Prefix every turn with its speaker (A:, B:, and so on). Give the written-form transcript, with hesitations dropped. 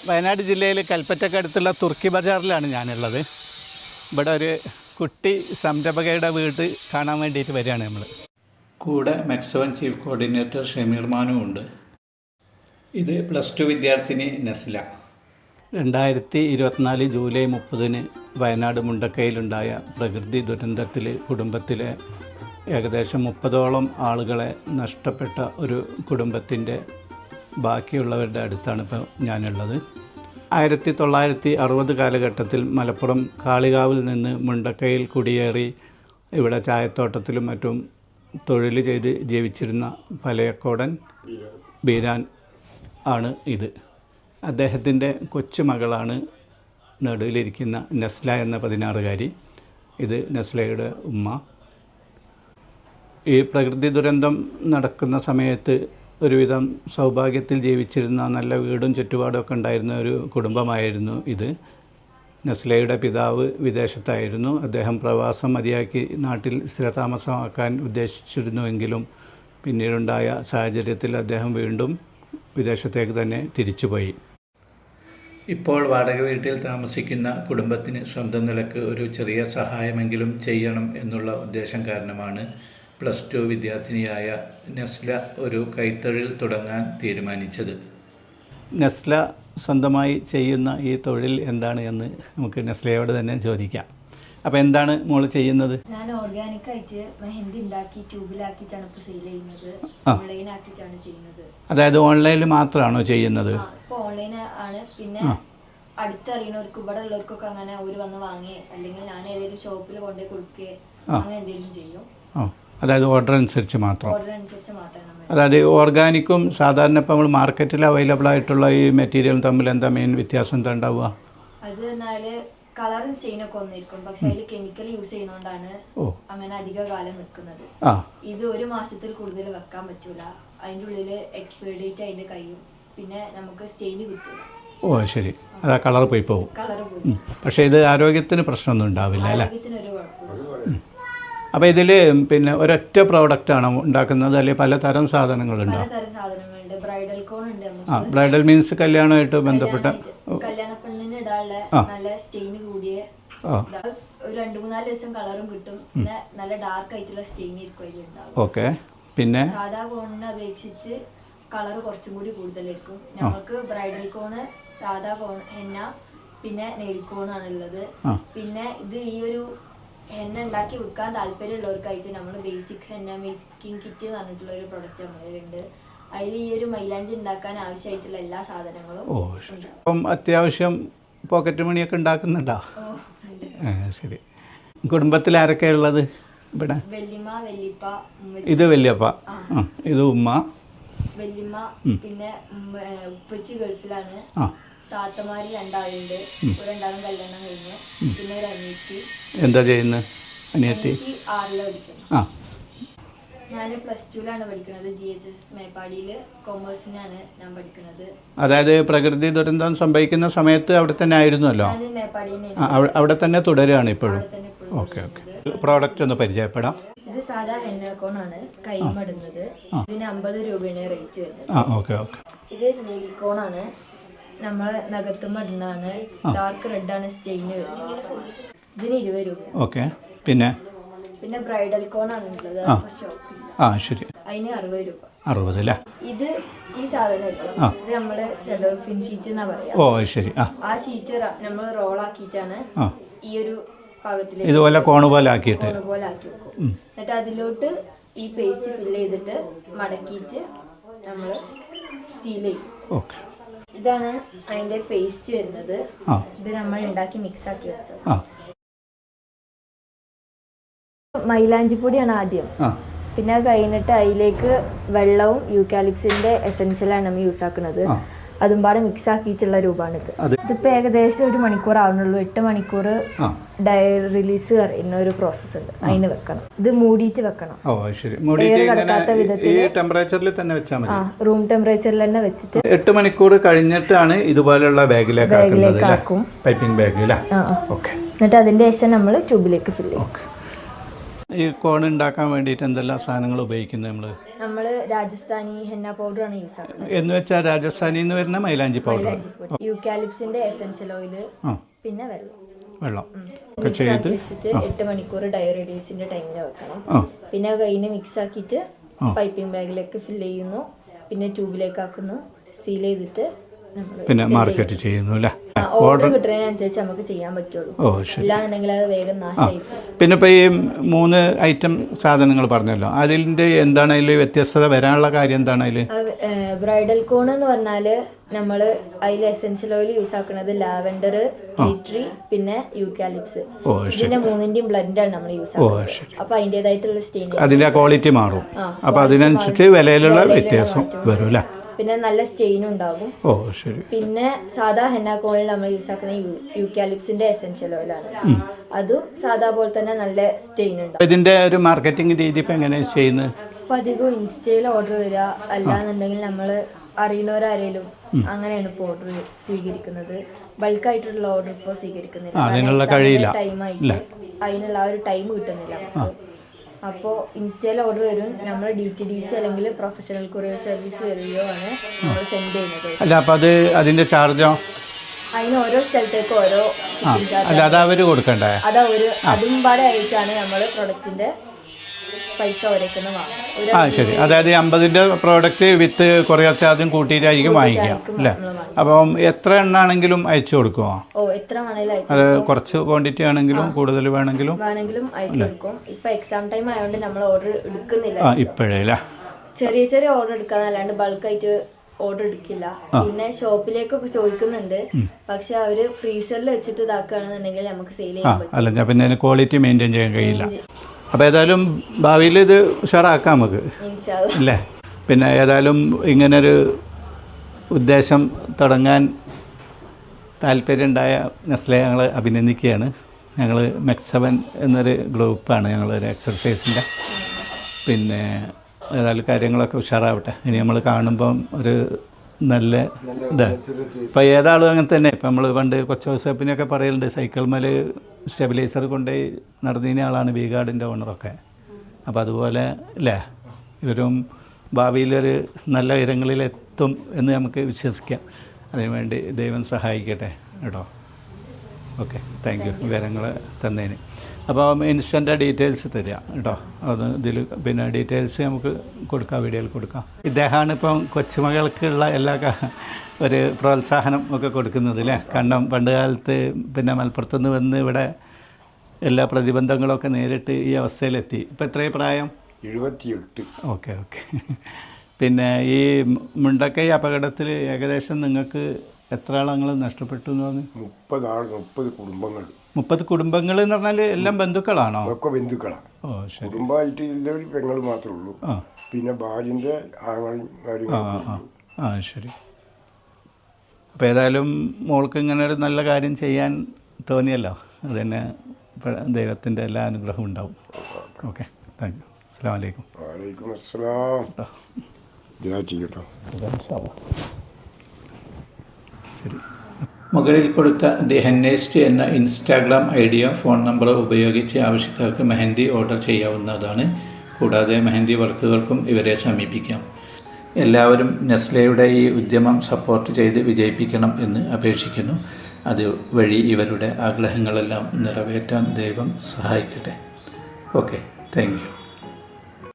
A: വയനാട് ജില്ലയിൽ കൽപ്പറ്റക്കടുത്തുള്ള തുർക്കി ബജാറിലാണ് ഞാനുള്ളത്. ഇവിടെ ഒരു കുട്ടി സംരംഭകയുടെ വീട് കാണാൻ വേണ്ടിയിട്ട് വരികയാണ് നമ്മൾ. കൂടെ മെക്സോൺ ചീഫ് കോർഡിനേറ്റർ ഷമീർ മാനും ഉണ്ട്. ഇത് +2 വിദ്യാർത്ഥിനി നസ്ല. 2024 ജൂലൈ 30 വയനാട് മുണ്ടക്കയിലുണ്ടായ പ്രകൃതി ദുരന്തത്തിൽ കുടുംബത്തിലെ ഏകദേശം 30ഓളം ആളുകളെ നഷ്ടപ്പെട്ട ഒരു കുടുംബത്തിൻ്റെ ബാക്കിയുള്ളവരുടെ അടുത്താണ് ഇപ്പോൾ ഞാനുള്ളത്. 1960 കാലഘട്ടത്തിൽ മലപ്പുറം കാളികാവിൽ നിന്ന് മുണ്ടക്കയിൽ കുടിയേറി ഇവിടെ ചായത്തോട്ടത്തിലും മറ്റും തൊഴിൽ ചെയ്ത് ജീവിച്ചിരുന്ന പലയക്കോടൻ ബീരാൻ ആണ് ഇത്. അദ്ദേഹത്തിൻ്റെ കൊച്ചുമകളാണ് നടുവിലിരിക്കുന്ന നസ്ല എന്ന 16കാരി. ഇത് നസ്ലയുടെ ഉമ്മ. ഈ പ്രകൃതി ദുരന്തം നടക്കുന്ന സമയത്ത് ഒരുവിധം സൗഭാഗ്യത്തിൽ ജീവിച്ചിരുന്ന നല്ല വീടും ചുറ്റുപാടുമൊക്കെ ഉണ്ടായിരുന്ന ഒരു കുടുംബമായിരുന്നു ഇത്. നസ്ലയുടെ പിതാവ് വിദേശത്തായിരുന്നു. അദ്ദേഹം പ്രവാസം മതിയാക്കി നാട്ടിൽ സ്ഥിരതാമസമാക്കാൻ ഉദ്ദേശിച്ചിരുന്നുവെങ്കിലും പിന്നീടുണ്ടായ സാഹചര്യത്തിൽ അദ്ദേഹം വീണ്ടും വിദേശത്തേക്ക് തന്നെ തിരിച്ചുപോയി. ഇപ്പോൾ വാടക വീട്ടിൽ താമസിക്കുന്ന കുടുംബത്തിന് സ്വന്തം നിലക്ക് ഒരു ചെറിയ സഹായമെങ്കിലും ചെയ്യണം എന്നുള്ള ഉദ്ദേശം കാരണമാണ് +2 വിദ്യാർത്ഥിനിയായ നസ്ല ഒരു കൈത്തൊഴിൽ തുടങ്ങാൻ തീരുമാനിച്ചത്. നസ്ല സ്വന്തമായി ചെയ്യുന്ന ഈ തൊഴിൽ എന്താണ് എന്ന് നമുക്ക് നസ്ലയോട് തന്നെ ചോദിക്കാം. അപ്പോൾ എന്താണ് മോൾ ചെയ്യുന്നത്?
B: ഞാൻ ഓർഗാനിക് ആയിട്ട് മെഹന്തി ഉണ്ടാക്കി ട്യൂബിലാക്കിയിട്ടാണ് ഇപ്പോൾ സെയിൽ ചെയ്യുന്നത്. ഓൺലൈൻ ആക്കിയിട്ടാണ് ചെയ്യുന്നത്.
A: അതായത് ഓൺലൈനിൽ മാത്രമാണോ ചെയ്യുന്നത്?
B: ഇപ്പോൾ ഓൺലൈൻ ആണ്. പിന്നെ അടുത്തറിയുന്നവർക്ക് ഇവിടെ ഉള്ളവർക്കൊക്കെ അങ്ങനെ അവർ വന്ന് വാങ്ങുകയോ അല്ലെങ്കിൽ ഞാൻ ഏതെങ്കിലും ഷോപ്പിൽ കൊണ്ടുപോയി കൊടുക്കുകയോ അങ്ങനെ എന്തെങ്കിലും ചെയ്യും.
A: അതായത് ഓർഡർ അനുസരിച്ച് മാത്രം.
B: മാത്രം.
A: അതായത് ഓർഗാനിക്കും സാധാരണ ഇപ്പോൾ നമ്മൾ മാർക്കറ്റിൽ അവൈലബിൾ ആയിട്ടുള്ള ഈ മെറ്റീരിയലും തമ്മിൽ എന്താ മെയിൻ വ്യത്യാസം എന്താ ഉണ്ടാവുക?
B: അത് എന്നാൽ കളറും സ്റ്റെയിനൊക്കെ ഒന്നിരിക്കും. പക്ഷെ അതിൽ കെമിക്കൽ യൂസ് ചെയ്യുന്നതുകൊണ്ടാണ് അങ്ങനെ അധിക കാലം നിൽക്കുന്നത്. ഇത് 1 മാസത്തിൽ കൂടുതൽ വെക്കാൻ പറ്റൂല. അതിൻ്റെ ഉള്ളിൽ എക്സ്പയർ ഡേറ്റ് അതിൻ്റെ കഴിയും. പിന്നെ നമുക്ക് സ്റ്റെയിൻ കിട്ടൂല.
A: ഓ ശരി. അതാ കളർ പോയി പോകും. പക്ഷേ ഇത് ആരോഗ്യത്തിന് പ്രശ്നമൊന്നും ഉണ്ടാവില്ല അല്ലേ? അപ്പോൾ ഇതിൽ പിന്നെ ഒരൊറ്റ പ്രോഡക്റ്റാണോ ഉണ്ടാക്കുന്നത് അല്ലെങ്കിൽ പലതരം സാധനങ്ങളുണ്ടോ?
B: ബ്രൈഡൽ കോൺ ഉണ്ട്.
A: ബ്രൈഡൽ മീൻസ് കല്യാണമായിട്ട് ബന്ധപ്പെട്ട
B: കല്യാണ പെണ്ണിന് ഇടാനുള്ള നല്ല സ്റ്റെയിൻ കൂടിയ ഒരു 2-3 ദിവസം കളറും കിട്ടും. പിന്നെ നല്ല ഡാർക്ക് ആയിട്ടുള്ള സ്റ്റെയിൻ ആയിരിക്കും.
A: ഓക്കെ. പിന്നെ
B: സാധാ കോണിനെ അപേക്ഷിച്ച് കളർ കുറച്ചും കൂടി കൂടുതലായിരിക്കും. നമുക്ക് ബ്രൈഡൽ കോണ്, സാധാ കോൺ, ഹെന്ന, പിന്നെ നെയിൽ കോണാണുള്ളത്. പിന്നെ ഇത് ഈ ഒരു ഹെന്ന ഉണ്ടാക്കി വിൽക്കാൻ താല്പര്യമുള്ളവർക്കായിട്ട് നമ്മൾ ബേസിക് ഹെന്ന മേക്കിംഗ് കിറ്റ് എന്ന് പറഞ്ഞിട്ടുള്ള ഒരു പ്രൊഡക്റ്റ് നമ്മളിലുണ്ട്. അതിൽ ഈ ഒരു മൈലാഞ്ചി ഉണ്ടാക്കാൻ ആവശ്യമായിട്ടുള്ള എല്ലാ സാധനങ്ങളും.
A: അപ്പം അത്യാവശ്യം പോക്കറ്റ് മണിയൊക്കെ ഉണ്ടാക്കുന്നുണ്ടോ? ശരി. കുടുംബത്തിൽ ആരൊക്കെയാണ് ഉള്ളത് ഇവിടെ?
B: വല്യമ്മ, വല്യപ്പ.
A: ഇത് വല്യപ്പ, ഇത് ഉമ്മ,
B: വല്യമ്മ. പിന്നെ ഉപ്പച്ചി ഗൾഫിലാണ്. താത്തമാര് 2 ആളുണ്ട്. 2 കല്യാണം കഴിഞ്ഞ്. പിന്നെ ഒരു അനിയത്തി.
A: എന്താ ചെയ്യുന്നത് അനിയത്തി?
B: 6ൽ പഠിക്കുന്നു. ഞാൻ +2ലാണ് പഠിക്കുന്നത്. GHS മേപ്പാടിയിൽ കൊമേഴ്സിനാണ് ഞാൻ പഠിക്കുന്നത്.
A: അതായത് പ്രകൃതി ദുരന്തം സംഭവിക്കുന്ന സമയത്ത് അവിടെ തന്നെ ആയിരുന്നല്ലോ? അവിടെ തന്നെ തുടരുകയാണ് ഇപ്പോഴും? Okay okay. പ്രോഡക്റ്റ് ഒന്ന് പരിചയപ്പെടാം.
B: ഇത് സാധാ ഹെന്ന കോണാണ്, കൈമടുന്നത്. ഇതിന് 50 രൂപയാണ് റേറ്റ് വരുന്നത്.
A: Okay okay.
B: ഇത് നെയിൽ കോണാണ്, നമ്മൾ നഖത്തുമടുന്നതാണ്. ഡാർക്ക് റെഡ് ആണ് സ്റ്റെയിൻ വരുന്നത്. ഇതിന് 20 രൂപ.
A: ഓക്കെ. പിന്നെ
B: ബ്രൈഡൽ കോണാണ് ഉള്ളത്.
A: ശരി.
B: അതിന് 60 രൂപ.
A: 60 അല്ലേ?
B: ഇത് ഈ സാധനം ഇത് നമ്മുടെ സെലോഫിൻ ഷീറ്റ് എന്നാ പറയാ.
A: ശരി.
B: ആ ഷീറ്റ് നമ്മൾ റോൾ ആക്കിയിട്ടാണ് ഈ ഒരു പാകത്തിലേക്ക്
A: ഇതുപോലെ കോണ് പോലെ ആക്കി
B: വെക്കും. എന്നിട്ട് അതിലോട്ട് ഈ പേസ്റ്റ് ഫില്ല് ചെയ്തിട്ട് മടക്കിയിട്ട് നമ്മൾ സീൽ ചെയ്യും.
A: ഓക്കെ.
B: ഇതാണ് അതിന്റെ പേസ്റ്റ് വരുന്നത്. ഇത് നമ്മൾ ഉണ്ടാക്കി മിക്സ് ആക്കി വെച്ചത്. മൈലാഞ്ചിപ്പൊടിയാണ് ആദ്യം. പിന്നെ അത് കഴിഞ്ഞിട്ട് അതിലേക്ക് വെള്ളവും യൂക്കാലിപ്സിന്റെ എസെൻഷ്യലാണ് നമ്മൾ യൂസ് ആക്കുന്നത്. അതും പാടെ മിക്സ് ആക്കിയിട്ടുള്ള രൂപമാണിത്. ഇതിപ്പോൾ ഏകദേശം 1 മണിക്കൂർ ആവുന്നുള്ളൂ. 8 മണിക്കൂർ റിലീസ് പറയുന്ന ഒരു പ്രോസസ്സ് ഉണ്ട്. അതിന് വെക്കണം. ഇത് മൂടിയിട്ട് വെക്കണം. എയർ കടക്കാത്ത വിധത്തിൽ റൂം ടെമ്പറേച്ചറിൽ തന്നെ വെച്ചിട്ട്
A: 8 മണിക്കൂർ കഴിഞ്ഞിട്ടാണ് ഇതുപോലുള്ള ബാഗിലേക്ക് ആക്കും. Piping bag.
B: എന്നിട്ട് അതിന്റെ ശേഷം നമ്മൾ ട്യൂബിലേക്ക് ഫില്ല് ചെയ്യും.
A: ഈ കോൺ ഉണ്ടാക്കാൻ വേണ്ടിയിട്ട് എന്തെല്ലാം സാധനങ്ങൾ ഉപയോഗിക്കുന്നത്
B: നമ്മൾ രാജസ്ഥാനി ഹെന്ന പൗഡറാണ് യൂസ് ആക്കുന്നത്.
A: എന്ന് വെച്ചാൽ രാജസ്ഥാനിൽ നിന്ന് വരുന്ന മൈലാഞ്ചി പൗഡർ,
B: യൂക്കാലിപ്സിന്റെ എസെൻഷ്യൽ ഓയിൽ, പിന്നെ വെള്ളം
A: ഒക്കെ ചെയ്ത്
B: വെച്ചിട്ട് 8 മണിക്കൂർ ഡയോറിഡീസിന്റെ ടൈമിൽ വെക്കണം. പിന്നെ കഴിഞ്ഞ് മിക്സ് ആക്കിയിട്ട് പൈപ്പിംഗ് ബാഗിലേക്ക് ഫില്ല് ചെയ്യുന്നു, പിന്നെ ട്യൂബിലേക്ക് ആക്കുന്നു, സീൽ ചെയ്തിട്ട്
A: പിന്നെ മാർക്കറ്റ് ചെയ്യുന്നു അല്ലേ?
B: ഓർഡർ കിട്ടുന്നതിനനുസരിച്ച് നമുക്ക് ചെയ്യാൻ പറ്റുള്ളൂ. ഇല്ലാന്നുണ്ടെങ്കിൽ അത് വേഗം നാശമായി.
A: പിന്നെ ഇപ്പോൾ ഈ 3 ഐറ്റം സാധനങ്ങൾ പറഞ്ഞല്ലോ, അതിൻ്റെ എന്താണ് അതിൽ വ്യത്യസ്തത വരാനുള്ള കാര്യം എന്താണ് അതിൽ?
B: ബ്രൈഡൽ കോൺ എന്ന് പറഞ്ഞാൽ നമ്മൾ അതിൽ എസെൻഷ്യൽ ഓയിൽ യൂസ് ആക്കുന്നത് ലാവൻഡർ, ടീ ട്രീ, പിന്നെ യൂക്കാലിപ്സ്. ഇതിന്റെ 3ന്റെയും ബ്ലെൻഡാണ് നമ്മൾ യൂസ് ആക്കുന്നത്. അപ്പൊ അതിൻ്റെതായിട്ടുള്ള സ്റ്റെയിൻ, അതിന്റെ
A: ക്വാളിറ്റി മാറും. അപ്പൊ അതിനനുസരിച്ച് വിലയിലുള്ള വ്യത്യാസം വരും അല്ലേ?
B: പിന്നെ നല്ല സ്റ്റെയിൻ ഉണ്ടാകും. പിന്നെ സാധാ ഹെന്ന കോണിൽ നമ്മൾ യൂസ് ആക്കുന്ന യൂക്കാലിപ്സിന്റെ എസെൻഷ്യൽ ഓയിലാണ്. അതും സാധാ പോലെ തന്നെ നല്ല സ്റ്റെയിൻ ഉണ്ടാവും.
A: ഇതിന്റെ ഒരു മാർക്കറ്റിംഗ് രീതി ഇപ്പൊ എങ്ങനെയാണ് ചെയ്യുന്നത്?
B: അപ്പൊ അധികം ഇൻസ്റ്റയിൽ ഓർഡർ വരിക, അല്ലാന്നുണ്ടെങ്കിൽ നമ്മൾ അറിയുന്നവരാരേലും അങ്ങനെയാണ് ഇപ്പോൾ ഓർഡർ സ്വീകരിക്കുന്നത്. ബൾക്കായിട്ടുള്ള ഓർഡർ ഇപ്പോൾ സ്വീകരിക്കുന്നില്ല. അതിനുള്ള ആ ഒരു ടൈം കിട്ടുന്നില്ല. അപ്പോൾ ഇൻസ്റ്റയിൽ ഓർഡർ വരും, നമ്മൾ DTDC അല്ലെങ്കിൽ പ്രൊഫഷണൽ കൊറിയർ സർവീസ് വരികയോ ആണ് നമ്മൾ സെൻഡ് ചെയ്യുന്നത്.
A: അല്ല, അപ്പോൾ അത് അതിൻ്റെ ചാർജോ?
B: അതിന് ഓരോ സ്ഥലത്തേക്ക് ഓരോ
A: അവർ കൊടുക്കണ്ടേ?
B: അതും പാടെ ആയിട്ടാണ് നമ്മൾ പ്രൊഡക്റ്റിന്റെ പൈസ ഒരേക്കുന്ന വാങ്ങും.
A: ശരി. അതായത് 50ന്റെ പ്രോഡക്റ്റ് വിത്ത് കൊറിയർ ചാർജും കൂട്ടിയിട്ടായിരിക്കും വാങ്ങിക്കുക അല്ലേ? അപ്പം എത്ര എണ്ണാണെങ്കിലും അയച്ചു കൊടുക്കുമോ?
B: എത്ര വേണമെങ്കിലും
A: അത് കുറച്ച് ക്വാണ്ടിറ്റി ആണെങ്കിലും കൂടുതൽ വേണമെങ്കിലും
B: അയച്ചു കൊടുക്കും. ഇപ്പൊ എക്സാം ടൈം ആയതുകൊണ്ട് നമ്മൾ ഓർഡർ എടുക്കുന്നില്ല
A: ഇപ്പോഴേ.
B: ചെറിയ ചെറിയ ഓർഡർ എടുക്കാന്നല്ലാണ്ട് ബൾക്കായിട്ട് ഓർഡർ എടുക്കില്ല. പിന്നെ ഷോപ്പിലേക്കൊക്കെ ചോദിക്കുന്നുണ്ട്, പക്ഷെ അവര് ഫ്രീസറിൽ വെച്ചിട്ട് ഇതാക്കുകയാണെന്നുണ്ടെങ്കിൽ നമുക്ക് സെയിൽ ചെയ്യാൻ പറ്റും.
A: അല്ല, പിന്നെ ക്വാളിറ്റി മെയിൻറ്റെയിൻ ചെയ്യാൻ കഴിയില്ല. അപ്പോൾ ഏതായാലും ഭാവിയിൽ ഇത് ഉഷാറാക്കാം നമുക്ക് അല്ലേ? പിന്നെ ഏതായാലും ഇങ്ങനൊരു ഉദ്ദേശം തുടങ്ങാൻ താല്പര്യമുണ്ടായ നെസ്ലെ ഞങ്ങൾ അഭിനന്ദിക്കുകയാണ്. ഞങ്ങൾ മെക്സ്7 എന്നൊരു ഗ്രൂപ്പാണ്, ഞങ്ങളൊരു എക്സർസൈസിൻ്റെ. പിന്നെ ഏതായാലും കാര്യങ്ങളൊക്കെ ഉഷാറാവട്ടെ. ഇനി നമ്മൾ കാണുമ്പം ഒരു നല്ല ഇതാണ്. ഇപ്പോൾ ഏതാളും അങ്ങനെ തന്നെ. ഇപ്പം നമ്മൾ പണ്ട് കൊച്ചൗസപ്പിനൊക്കെ പറയലുണ്ട്, സൈക്കിൾ മേൽ സ്റ്റെബിലൈസർ കൊണ്ടുപോയി നടന്നിരുന്ന ആളാണ് വീഗാർഡിൻ്റെ ഓണറൊക്കെ. അപ്പോൾ അതുപോലെ അല്ലേ, ഇവരും ഭാവിയിലൊരു നല്ല ഉയരങ്ങളിലെത്തും എന്ന് നമുക്ക് വിശ്വസിക്കാം. അതിനുവേണ്ടി ദൈവം സഹായിക്കട്ടെ കേട്ടോ. ഓക്കെ, താങ്ക് യു വിവരങ്ങൾ തന്നതിന്. അപ്പോൾ ഇൻസ്റ്റൻ്റെ ഡീറ്റെയിൽസ് തരിക കേട്ടോ. അത് ഇതിൽ പിന്നെ ഡീറ്റെയിൽസ് നമുക്ക് കൊടുക്കാം, വീഡിയോയിൽ കൊടുക്കാം. ഇദ്ദേഹമാണ് ഇപ്പം കൊച്ചുമകൾക്കുള്ള എല്ലാ ഒരു പ്രോത്സാഹനം ഒക്കെ കൊടുക്കുന്നത് അല്ലേ? കാരണം പണ്ട് കാലത്ത് പിന്നെ മലപ്പുറത്തുനിന്ന് വന്ന് ഇവിടെ എല്ലാ പ്രതിബന്ധങ്ങളൊക്കെ നേരിട്ട് ഈ അവസ്ഥയിലെത്തി. ഇപ്പം എത്രയും പ്രായം?
C: 78.
A: ഓക്കെ. പിന്നെ ഈ മുണ്ടക്കൈ അപകടത്തിൽ ഏകദേശം നിങ്ങൾക്ക് എത്ര ആളങ്ങൾ നഷ്ടപ്പെട്ടു എന്ന് പറഞ്ഞു?
C: 30 കുടുംബങ്ങൾ.
A: 30 കുടുംബങ്ങൾ എന്ന് പറഞ്ഞാൽ എല്ലാം ബന്ധുക്കളാണോ?
C: ഒക്കെ ബന്ധുക്കളാണ്. കുടുംബമായിട്ട് ഇല്ലൊരു പെങ്ങൾ മാത്രമേ ഉള്ളൂ. പിന്നെ ഭാര്യൻ്റെ ആങ്ങളും കാര്യങ്ങളും.
A: ശരി. അപ്പോൾ ഏതായാലും മോൾക്ക് ഇങ്ങനെ ഒരു നല്ല കാര്യം ചെയ്യാൻ തോന്നിയല്ലോ, അത് തന്നെ ദൈവത്തിൻ്റെ എല്ലാ അനുഗ്രഹവും ഉണ്ടാവും. Okay, thank you. അസ്സലാമു അലൈക്കും.
C: വലൈക്കും അസ്സലാം. ചെയ്യട്ടോ.
A: ശരി. മുകളിൽ കൊടുത്ത ദി ഹെന്നേസ്റ്റ് എന്ന ഇൻസ്റ്റാഗ്രാം ഐഡിയോ ഫോൺ നമ്പർ ഉപയോഗിച്ച് ആവശ്യക്കാർക്ക് മെഹന്തി ഓർഡർ ചെയ്യാവുന്നതാണ്. കൂടാതെ മെഹന്തി വർക്കുകൾക്കും ഇവരെ സമീപിക്കാം. എല്ലാവരും നെസ്ലെയുടെ ഈ ഉദ്യമം സപ്പോർട്ട് ചെയ്ത് വിജയിപ്പിക്കണം എന്ന് അപേക്ഷിക്കുന്നു. അതുവഴി ഇവരുടെ ആഗ്രഹങ്ങളെല്ലാം നിറവേറ്റാൻ ദൈവം സഹായിക്കട്ടെ. Okay, thank U.